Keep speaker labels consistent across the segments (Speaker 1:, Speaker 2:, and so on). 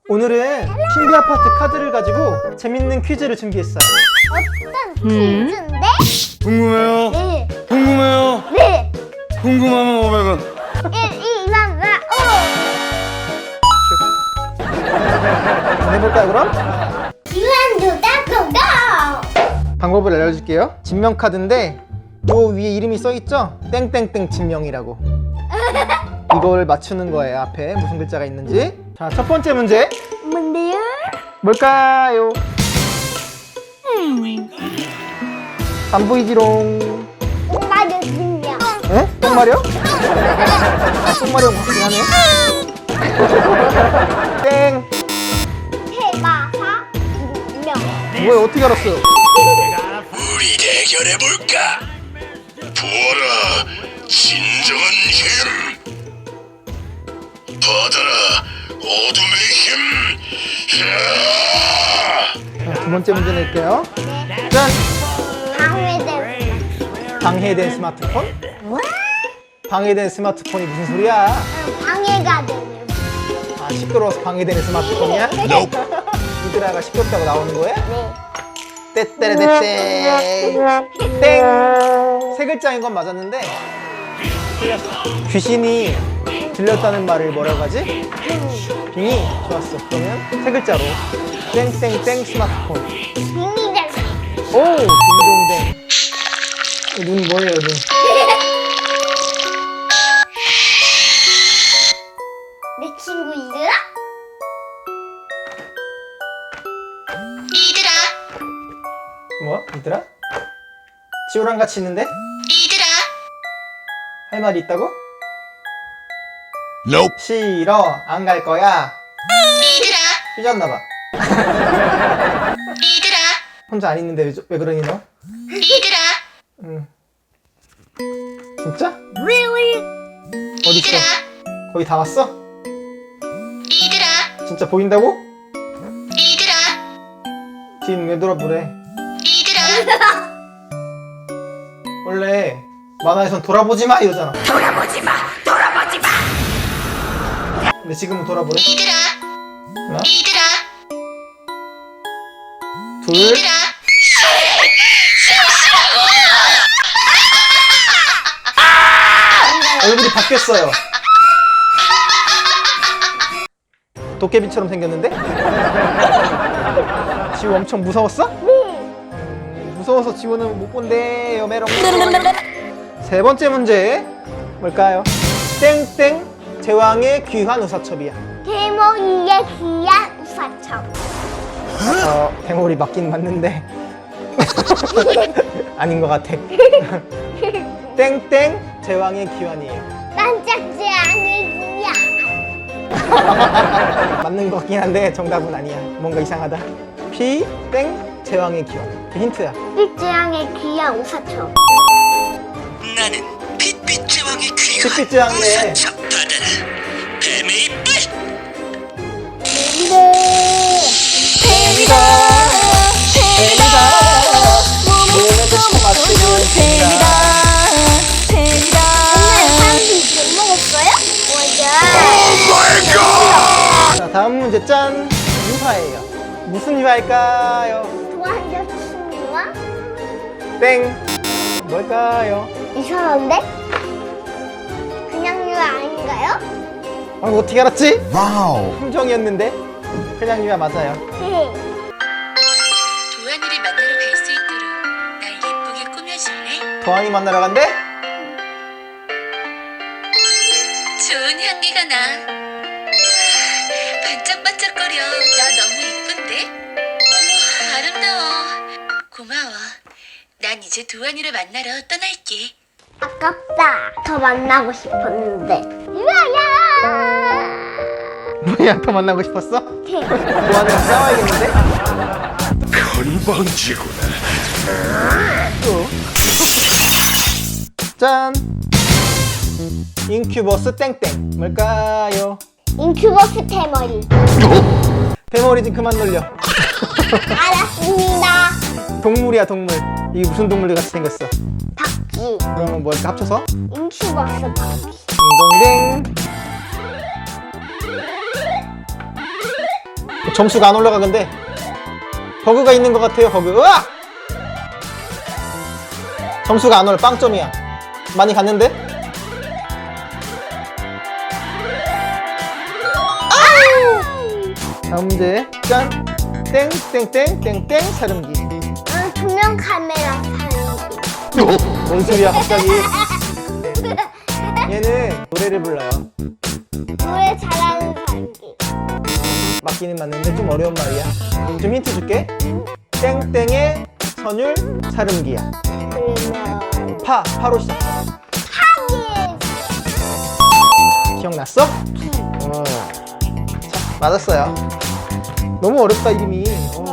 Speaker 1: 오늘은 신비 아파트 카드를 가지고 재밌는 퀴즈를 준비했어요.
Speaker 2: 어떤 퀴즈인데?
Speaker 3: 궁금해요?
Speaker 2: 네.
Speaker 3: 궁금해요?
Speaker 2: 네.
Speaker 3: 궁금하면 500원.
Speaker 2: 1, 2, 3, 4,
Speaker 1: 해볼까요 그럼?
Speaker 2: 5. 유한두다 고고!
Speaker 1: 방법을 알려줄게요. 진명 카드인데 요 위에 이름이 써있죠? 땡땡땡 진명이라고. 이걸 맞추는 거예요. 앞에 무슨 글자가 있는지. 자, 첫 번째 문제
Speaker 2: 뭔데요?
Speaker 1: 뭘까요? 안 보이지롱.
Speaker 2: 똥마려 진명.
Speaker 1: 에? 똥마려? 똥마려 같긴 하네. 땡.
Speaker 2: 해마사 진명.
Speaker 1: 뭐야, 어떻게 알았어요?
Speaker 3: 우리 대결해볼까? 부어라 진정한 힘. 받아라 어둠의 힘.
Speaker 1: 자, 두 번째 문제 낼게요. 짠!
Speaker 2: 방해된
Speaker 1: 방해된 스마트폰? 방해된 스마트폰이 무슨 소리야?
Speaker 2: 방해가 되는.
Speaker 1: 아, 시끄러워서 방해되는 스마트폰이야? 이들아가 시끄럽다고 나오는 거야?
Speaker 2: 네.
Speaker 1: 떼떼레떼떼 땡! 세 글자인 건 맞았는데 틀렸어. 귀신이 들렸다는 말을 뭐라고 하지? 빙이? 좋았어. 그러면 세 글자로 땡땡땡 스마트폰.
Speaker 2: 빙이들.
Speaker 1: 오! 딩동댕. 눈 뭐예요, 눈?
Speaker 2: 내 친구 이들아?
Speaker 4: 이들아,
Speaker 1: 뭐? 얘들아? 지호랑 같이 있는데?
Speaker 4: 이들아,
Speaker 1: 할 말이 있다고?
Speaker 3: Nope.
Speaker 1: 싫어. 안 갈 거야.
Speaker 4: 이들아,
Speaker 1: 삐졌나봐.
Speaker 4: 이들아,
Speaker 1: 혼자 안 있는데 왜 그러니 너?
Speaker 4: 이들아,
Speaker 1: 응. 진짜? 어딨어?
Speaker 4: 이들아,
Speaker 1: 거의 다 왔어?
Speaker 4: 이들아,
Speaker 1: 진짜 보인다고?
Speaker 4: 이들아,
Speaker 1: 뒤는 왜 돌아보래?
Speaker 4: 이들아,
Speaker 1: 원래 만화에선 돌아보지 마 이러잖아.
Speaker 4: 돌아보지 마.
Speaker 1: 근데 지금은 돌아보래?
Speaker 4: 이들아,
Speaker 1: 하나,
Speaker 4: 이들아,
Speaker 1: 둘,
Speaker 4: 이들아.
Speaker 1: 얼굴이 바뀌었어요. 도깨비처럼 생겼는데? 지호 엄청 무서웠어? 무서워서 지호는 못 본대요, 메롱. 세 번째 문제 뭘까요? 땡땡 제왕의 귀한 우사첩이야.
Speaker 2: 대모이의 귀한 우사첩.
Speaker 1: 대물이 맞긴 맞는데 아닌 것 같아. 땡땡 제왕의 귀환이에요.
Speaker 2: 반짝지 않을 귀한.
Speaker 1: 맞는 것 같긴 한데 정답은 아니야. 뭔가 이상하다. 피땡 제왕의 귀환. 그 힌트야.
Speaker 2: 빛재앙의 귀한 우사첩.
Speaker 4: 나는 빛빛 제왕의 귀한
Speaker 1: 빛빛 제왕이네.
Speaker 4: 우사첩 받아라. 뱀의 이빨.
Speaker 2: 뱀이다. 뱀이다.
Speaker 1: 몸에도 맞추는 뱀이다.
Speaker 2: 뱀이다. 오늘 사람들이 못 먹었어요? 맞아.
Speaker 1: 자, 다음 문제 짠. 유화예요. 무슨 유화일까요?
Speaker 2: 좋아하는 친구와
Speaker 1: 땡. 뭘까요?
Speaker 2: 이상한데? 그냥 유아 아닌가요?
Speaker 1: 어떻게 알았지?
Speaker 3: 와우.
Speaker 1: 함정이었는데 그냥 유화 맞아요.
Speaker 2: 네.
Speaker 4: 도안이를 만나러 갈 수 있도록 날 예쁘게 꾸며줄래?
Speaker 1: 도안이 만나러 간대?
Speaker 4: 좋은 향기가 나. 반짝반짝거려. 나 너무 이쁜데? 어머, 아름다워. 고마워. 난 이제 도안이를 만나러 떠날게.
Speaker 2: 아깝다. 더 만나고 싶었는데. 유아야!
Speaker 1: 뭐야, 더 만나고 싶었어?
Speaker 2: 네.
Speaker 1: 도안이랑 싸워야겠는데?
Speaker 3: 건방지구나.
Speaker 1: 또. 짠! 인큐버스 땡땡 뭘까요?
Speaker 2: 인큐버스 대머리.
Speaker 1: 대머리 좀 그만 놀려.
Speaker 2: 알았습니다.
Speaker 1: 동물이야, 동물. 이게 무슨 동물 같이 생겼어?
Speaker 2: 박쥐.
Speaker 1: 그러면 뭐 이렇게 합쳐서?
Speaker 2: 인큐버스 박쥐.
Speaker 1: 딩동댕. 점수가 안 올라가. 근데 버그가 있는 것 같아요. 버그. 으악! 점수가 안 올라. 빵점이야. 많이 갔는데? 다음 문제. 짠. 땡땡땡땡땡 사름기.
Speaker 2: 투명 카메라 사는지.
Speaker 1: 뭔 소리야 갑자기. 얘는 노래를 불러요.
Speaker 2: 노래 잘하는 사람기.
Speaker 1: 맞기는 맞는데 좀 어려운 말이야. 좀 힌트 줄게. 땡땡의 선율 사름기야.
Speaker 2: 그러면
Speaker 1: 파로 시작.
Speaker 2: 하기.
Speaker 1: 기억났어? 자, 맞았어요. 너무 어렵다 이름이.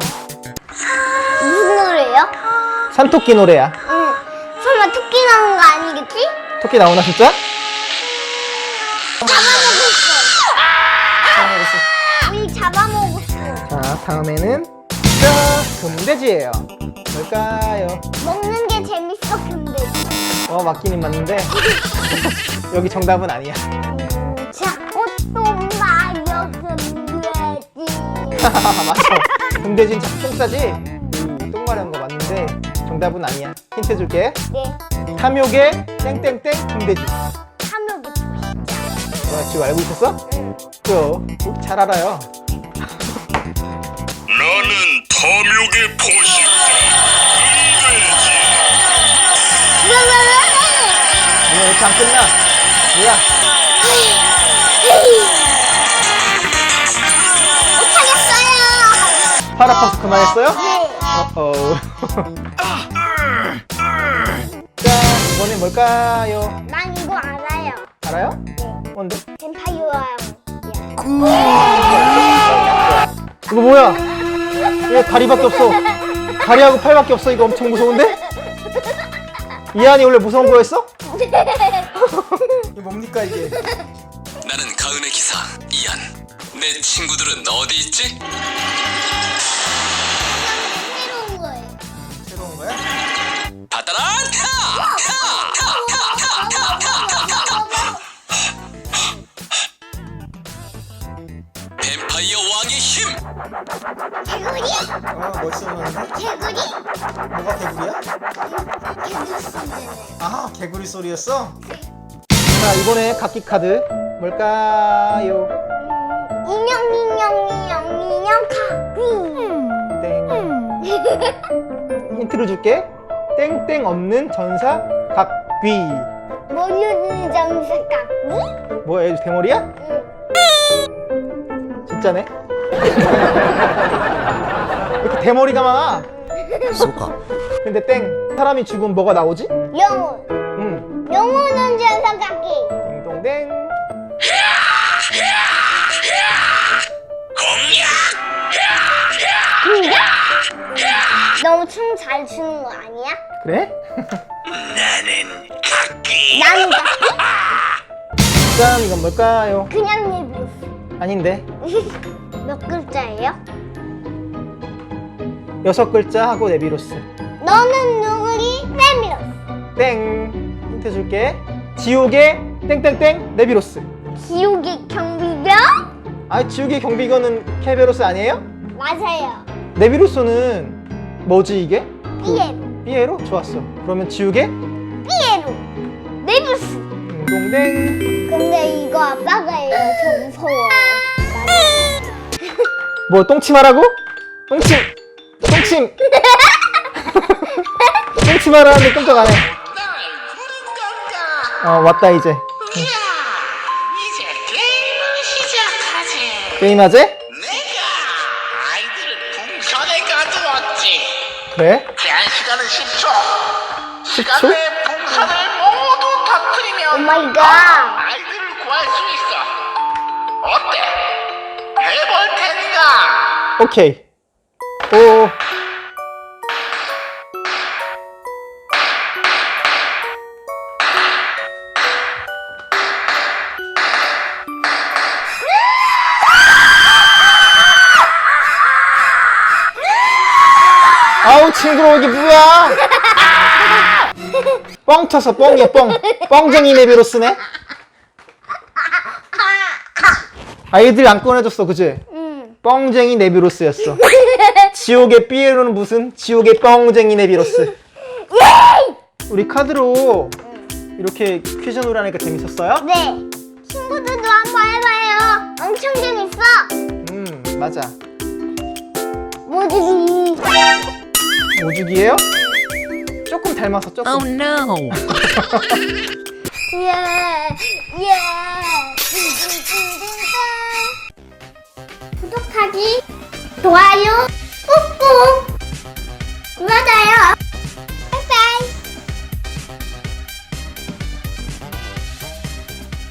Speaker 2: 무슨 노래요?
Speaker 1: 산토끼 노래야.
Speaker 2: 응. 설마 토끼 나온 거 아니겠지?
Speaker 1: 토끼 나오나 진짜?
Speaker 2: 잡아먹었어. 우리 잡아먹었어.
Speaker 1: 자, 다음에는 자, 금돼지예요. 뭘까요?
Speaker 2: 먹는 게 재밌어 근데.
Speaker 1: 맞기는 맞는데 여기 정답은 아니야.
Speaker 2: 자, 옷도 마려 금돼지.
Speaker 1: 맞죠? 금돼지는 자꾸 똥 싸지? 똥 마려운 거 맞는데 정답은 아니야. 힌트 줄게.
Speaker 2: 네.
Speaker 1: 탐욕의 땡땡땡 금돼지.
Speaker 2: 탐욕이 보이자.
Speaker 1: 너 지금 알고 있었어? 그럼 잘 알아요.
Speaker 3: 나는 탐욕의 포식 금돼지.
Speaker 1: 왜 이렇게 안 끝나? 뭐야?
Speaker 2: 못하겠어요.
Speaker 1: 팔 아파서 그만했어요?
Speaker 2: 네.
Speaker 1: 어어. 자, 이번엔 뭘까요?
Speaker 2: 난 이거 알아요.
Speaker 1: 알아요? 뭔데?
Speaker 2: 뱀파이어야.
Speaker 1: 이거 뭐야? 얘 다리밖에 없어. 다리하고 팔밖에 없어. 이거 엄청 무서운데? 이한이 원래 무서운 거였어? 이게 뭡니까 이게?
Speaker 5: 나는 가은의 기사 이안. 내 친구들은 어디 있지?
Speaker 2: 새로운 거예요.
Speaker 1: 새로운 거야?
Speaker 5: 받아라! 뱀파이어 왕의 힘!
Speaker 2: 개구리?
Speaker 1: 멋있어 보이는데?
Speaker 2: 개구리?
Speaker 1: 뭐가 개구리야?
Speaker 2: 개구리 소리네.
Speaker 1: 아, 개구리 소리였어? 자, 이번에 각기 카드 뭘까요?
Speaker 2: 인형 가귀.
Speaker 1: 땡. 힌트를 줄게. 땡땡 없는 전사 각귀.
Speaker 2: 모르는 점수 가귀?
Speaker 1: 뭐야, 얘 대머리야? 진짜네? 왜 이렇게 대머리가 많아? 근데 땡. 사람이 죽으면 뭐가 나오지?
Speaker 2: 영혼. 영혼은 점수 가귀.
Speaker 1: 띵동댕.
Speaker 2: 너무 춤 잘 추는 거 아니야?
Speaker 1: 그래?
Speaker 3: 나는 각기.
Speaker 2: 나는 가귀?
Speaker 1: 짠, 이건 뭘까요?
Speaker 2: 그냥 내비였어.
Speaker 1: 아닌데.
Speaker 2: 몇 글자예요?
Speaker 1: 6글자 하고 네비로스.
Speaker 2: 너는 누구리? 내밀었어.
Speaker 1: 땡. 힌트 줄게. 지옥의 땡땡땡 네비로스.
Speaker 2: 지옥의 경비병?
Speaker 1: 아, 지옥의 경비견은 케베로스 아니에요?
Speaker 2: 맞아요.
Speaker 1: 네비로스는 뭐지 이게?
Speaker 2: 삐에로.
Speaker 1: 삐에로? 좋았어. 그러면 지옥의
Speaker 2: 삐에로. 내밀었어.
Speaker 1: 띵동댕.
Speaker 2: 근데 이거 아빠가 해요. 저 무서워.
Speaker 1: 뭐 똥침하라고? 똥침. 똥침. 똥침하라는데 깜짝 안 해. 왔다 이제.
Speaker 6: 이제 게임을 시작하지.
Speaker 1: 게임하재?
Speaker 6: 내가 아이들을 풍선에 가두었지.
Speaker 1: 그래?
Speaker 6: 제한 시간은 10초.
Speaker 1: 10초?
Speaker 6: 시간 내에 풍선을 모두
Speaker 2: 오
Speaker 6: 터뜨리면
Speaker 2: 마이 갓.
Speaker 6: 아이들을 구할 수 있어. 어때? 해볼 테니까.
Speaker 1: 오케이. 오. 아우 징그러워 이게 뭐야? 뻥 쳐서 뻥이야 뻥. 뻥쟁이 네비로스네. 아이들이 안 꺼내줬어 그지?
Speaker 2: 응.
Speaker 1: 뻥쟁이 네비로스였어. 지옥의 삐에로는 무슨 지옥의 뻥쟁이 네비로스. 우리 카드로 이렇게 퀴즈 놀이 하니까 재밌었어요?
Speaker 2: 네. 친구들도 한번 해봐요. 엄청 재밌어.
Speaker 1: 맞아.
Speaker 2: 뭐지?
Speaker 1: 오죽이에요? 조금 닮아서 조금.
Speaker 5: Oh no.
Speaker 2: 예, 예. 구독하기, 좋아요, 꾹꾹 눌러줘요.